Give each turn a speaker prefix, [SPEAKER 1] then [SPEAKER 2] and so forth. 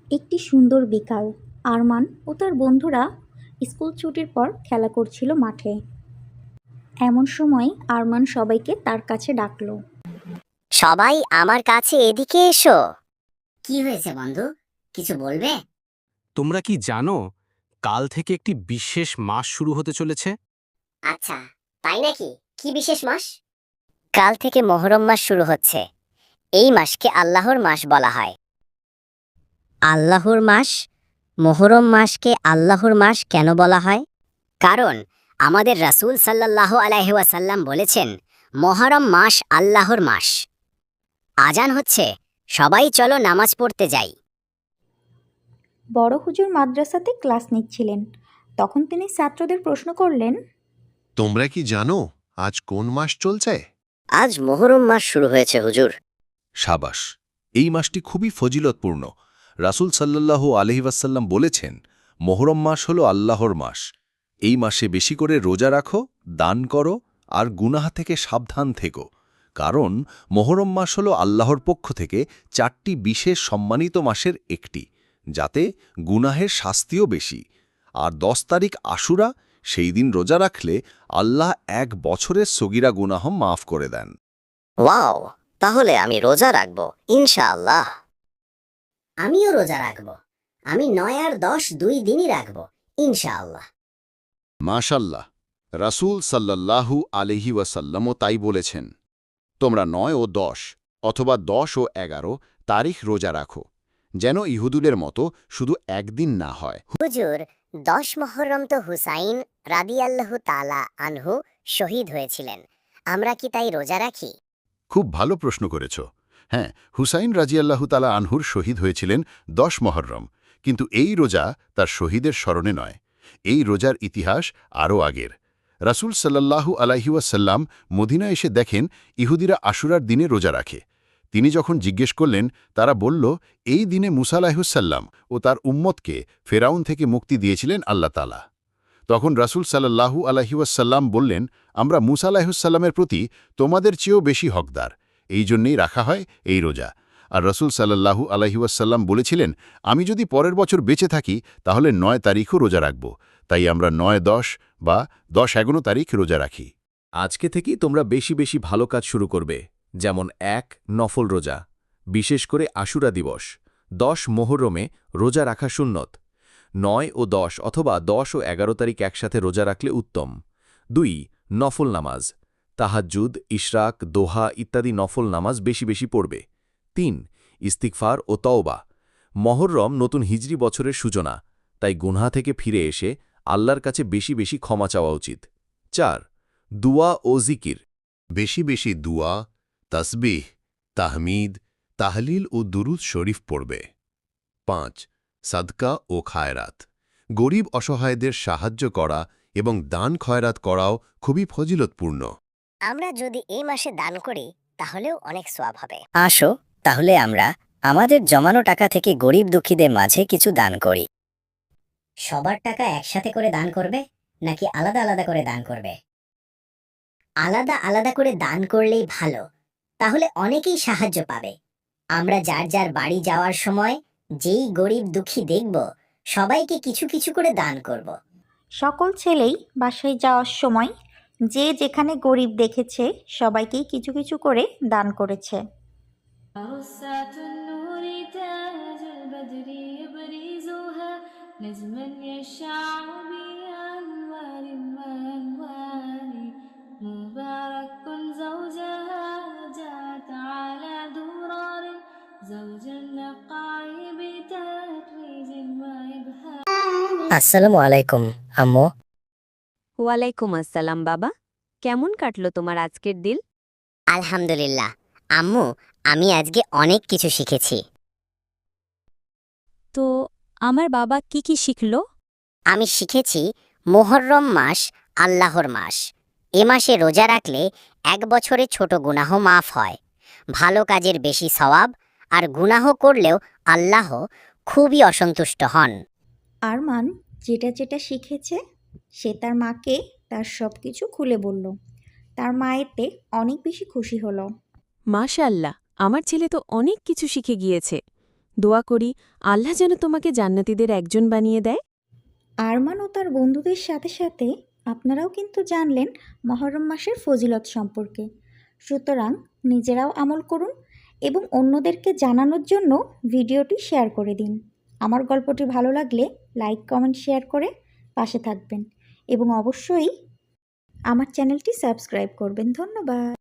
[SPEAKER 1] একটি সুন্দর বিকাল। আরমান ও তার বন্ধুরা স্কুল ছুটির পর খেলা করছিল মাঠে। এমন সময় আরমান সবাইকে তার কাছে ডাকলো।
[SPEAKER 2] সবাই আমার কাছে এদিকে এসো। কি হয়েছে বন্ধু, কিছু বলবে?
[SPEAKER 3] তোমরা কি জানো কাল থেকে একটি বিশেষ মাস শুরু হতে চলেছে?
[SPEAKER 2] আচ্ছা, তাই নাকি? কি বিশেষ মাস? কাল থেকে মুহররম মাস শুরু হচ্ছে। এই মাসকে আল্লাহর মাস বলা হয়। আল্লাহর মাস? মুহররম মাসকে আল্লাহর মাস কেন বলা হয়? কারণ আমাদের রাসূল সাল্লাল্লাহু আলাইহি ওয়াসাল্লাম বলেছেন, মুহররম মাস আল্লাহর মাস। আজান হচ্ছে, সবাই চলো নামাজ পড়তে যাই।
[SPEAKER 1] বড় হুজুর মাদ্রাসাতে ক্লাস নিচ্ছিলেন। তখন তিনি ছাত্রদের প্রশ্ন করলেন,
[SPEAKER 4] তোমরা কি জানো আজ কোন মাস চলছে?
[SPEAKER 2] আজ মুহররম মাস শুরু হয়েছে হুজুর।
[SPEAKER 5] সাবাস, এই মাসটি খুবই ফজিলতপূর্ণ। রাসূল সাল্লাল্লাহু আলাইহি ওয়াসাল্লাম বলেছেন, মুহররম মাস হল আল্লাহর মাস। এই মাসে বেশি করে রোজা রাখো, দান করো আর গুনাহ থেকে সাবধান থেকো। কারণ মুহররম মাস হল আল্লাহর পক্ষ থেকে 4টি বিশেষ সম্মানিত মাসের একটি, যাতে গুনাহের শাস্তিও বেশি। আর 10 তারিখ আশুরা, সেই দিন রোজা রাখলে আল্লাহ 1 বছরের সগীরা গুনাহ মাফ করে দেন।
[SPEAKER 2] ওয়াও, তাহলে আমি রোজা রাখব ইনশাআল্লাহ। আমিও রোজা রাখব। আমি 9 আর 10 2 দিনই রাখব ইনশাআল্লাহ।
[SPEAKER 6] মাশাল্লাহ, রাসূল সাল্লাল্লাহু আলাইহি ওয়াসাল্লামও তাই বলেছেন। তোমরা 9 ও 10 অথবা 10 ও 11 তারিখ রোজা রাখো, যেন ইহুদুদের মতো শুধু একদিন না হয়।
[SPEAKER 2] হুজুর, 10 মুহররম তো হুসাইন রাদিয়াল্লাহু তাআলা আনহু শহীদ হয়েছিলেন। আমরা কি তাই রোজা রাখি?
[SPEAKER 6] খুব ভালো প্রশ্ন করেছ। হ্যাঁ, হুসাইন রাজিয়াল্লাহু তাআলা আনহুর শহীদ হয়েছিলেন 10 মুহররম, কিন্তু এই রোজা তার শহীদের স্মরণে নয়। এই রোজার ইতিহাস আরও আগের। রাসূল সাল্লাল্লাহু আলাইহি ওয়াসাল্লাম মদিনা এসে দেখেন ইহুদিরা আশুরার দিনে রোজা রাখে। তিনি যখন জিজ্ঞেস করলেন, তারা বলল, এই দিনে মুসা আলাইহিসসাল্লাম ও তার উম্মতকে ফেরাউন থেকে মুক্তি দিয়েছিলেন আল্লাহ তাআলা। তখন রাসূল সাল্লাল্লাহু আলাইহি ওয়াসাল্লাম বললেন, আমরা মুসা আলাইহিসসালামের প্রতি তোমাদের চেয়েও বেশি হকদার, এই জন্যেই রাখা হয় এই রোজা। আর রাসূল সাল্লাল্লাহু আলাইহি ওয়াসাল্লাম বলেছিলেন, আমি যদি পরের বছর বেঁচে থাকি তাহলে 9 তারিখও রোজা রাখব। তাই আমরা 9-10 বা 10-11 তারিখ রোজা রাখি।
[SPEAKER 5] আজকে থেকেই তোমরা বেশি বেশি ভালো কাজ শুরু করবে, যেমন 1 নফল রোজা, বিশেষ করে আশুরা দিবস। 10 মুহররমে রোজা রাখা সুন্নত। 9 ও 10 অথবা 10 ও 11 তারিখ একসাথে রোজা রাখলে উত্তম। 2 নফল নামাজ, তাহাজ্জুদ, ইশরাক, দোহা ইত্যাদি নফল নামাজ বেশি বেশি পড়বে। 3 ইস্তিগফার ও তওবা। মুহররম নতুন হিজরি বছরের সূচনা, তাই গুনাহ থেকে ফিরে এসে আল্লাহর কাছে বেশি বেশি ক্ষমা চাওয়া উচিত। 4 দুয়া ও জিকির।
[SPEAKER 4] বেশি বেশি দুয়া, তাসবিহ, তাহমিদ, তাহলিল ও দুরুদ শরীফ পড়বে। 5 সাদকা ও খায়রাত। গরিব অসহায়দের সাহায্য করা এবং দান খয়রাত করাও খুবই ফজিলতপূর্ণ।
[SPEAKER 2] আমরা যদি এই মাসে দান করি তাহলেও অনেক সওয়াব হবে। আসো, তাহলে আমরা আমাদের জমানো টাকা থেকে গরিব দুঃখীদের মাঝে কিছু দান করি। সবার টাকা একসাথে করে দান করবে নাকি আলাদা আলাদা করে দান করবে? আলাদা আলাদা করে দান করলেই ভালো, তাহলে অনেকেই সাহায্য পাবে। আমরা যার যার বাড়ি যাওয়ার সময় যেই গরিব দুঃখী দেখব, সবাইকে কিছু কিছু করে দান করব।
[SPEAKER 1] সকল ছেলেই বাসায় যাওয়ার সময় যে যেখানে গরিব দেখেছে সবাইকেই কিছু কিছু করে দান করেছে।
[SPEAKER 7] عروسة النور تاج البدر يبرزها نجما يشع بأنوار وأنوار مبارك زوجها جاءت على درار زوج النقاء بتتويج وإبهار।
[SPEAKER 2] আসসালামু আলাইকুম আম্মু।
[SPEAKER 8] ওয়ালাইকুম আসসালাম বাবা, কেমন কাটলো তোমার আজকের দিন?
[SPEAKER 2] আলহামদুলিল্লাহ আম্মু, আমি আজকে অনেক কিছু শিখেছি।
[SPEAKER 8] তো আমার বাবা কি কি শিখলো?
[SPEAKER 2] আমি শিখেছি মুহররম মাস আল্লাহর মাস। এ মাসে রোজা রাখলে 1 বছরে ছোট গুনাহ মাফ হয়, ভালো কাজের বেশি সওয়াব, আর গুনাহ করলেও আল্লাহ খুবই অসন্তুষ্ট হন।
[SPEAKER 1] আরমান যেটা যেটা শিখেছে সে তার মাকে তার সব কিছু খুলে বলল। তার মা এতে অনেক বেশি খুশি হলো।
[SPEAKER 8] মাশাআল্লাহ, আমার ছেলে তো অনেক কিছু শিখে গিয়েছে।
[SPEAKER 9] দোয়া করি আল্লাহ যেন তোমাকে জান্নাতীদের একজন বানিয়ে দেয়।
[SPEAKER 1] আরমান ও তার বন্ধুদের সাথে সাথে আপনারাও কিন্তু জানলেন মহরম মাসের ফজিলত সম্পর্কে। সুতরাং নিজেরাও আমল করুন এবং অন্যদেরকে জানানোর জন্য ভিডিওটি শেয়ার করে দিন। আমার গল্পটি ভালো লাগলে লাইক কমেন্ট শেয়ার করে পাশে থাকবেন এবং অবশ্যই আমার চ্যানেলটি সাবস্ক্রাইব করবেন। ধন্যবাদ।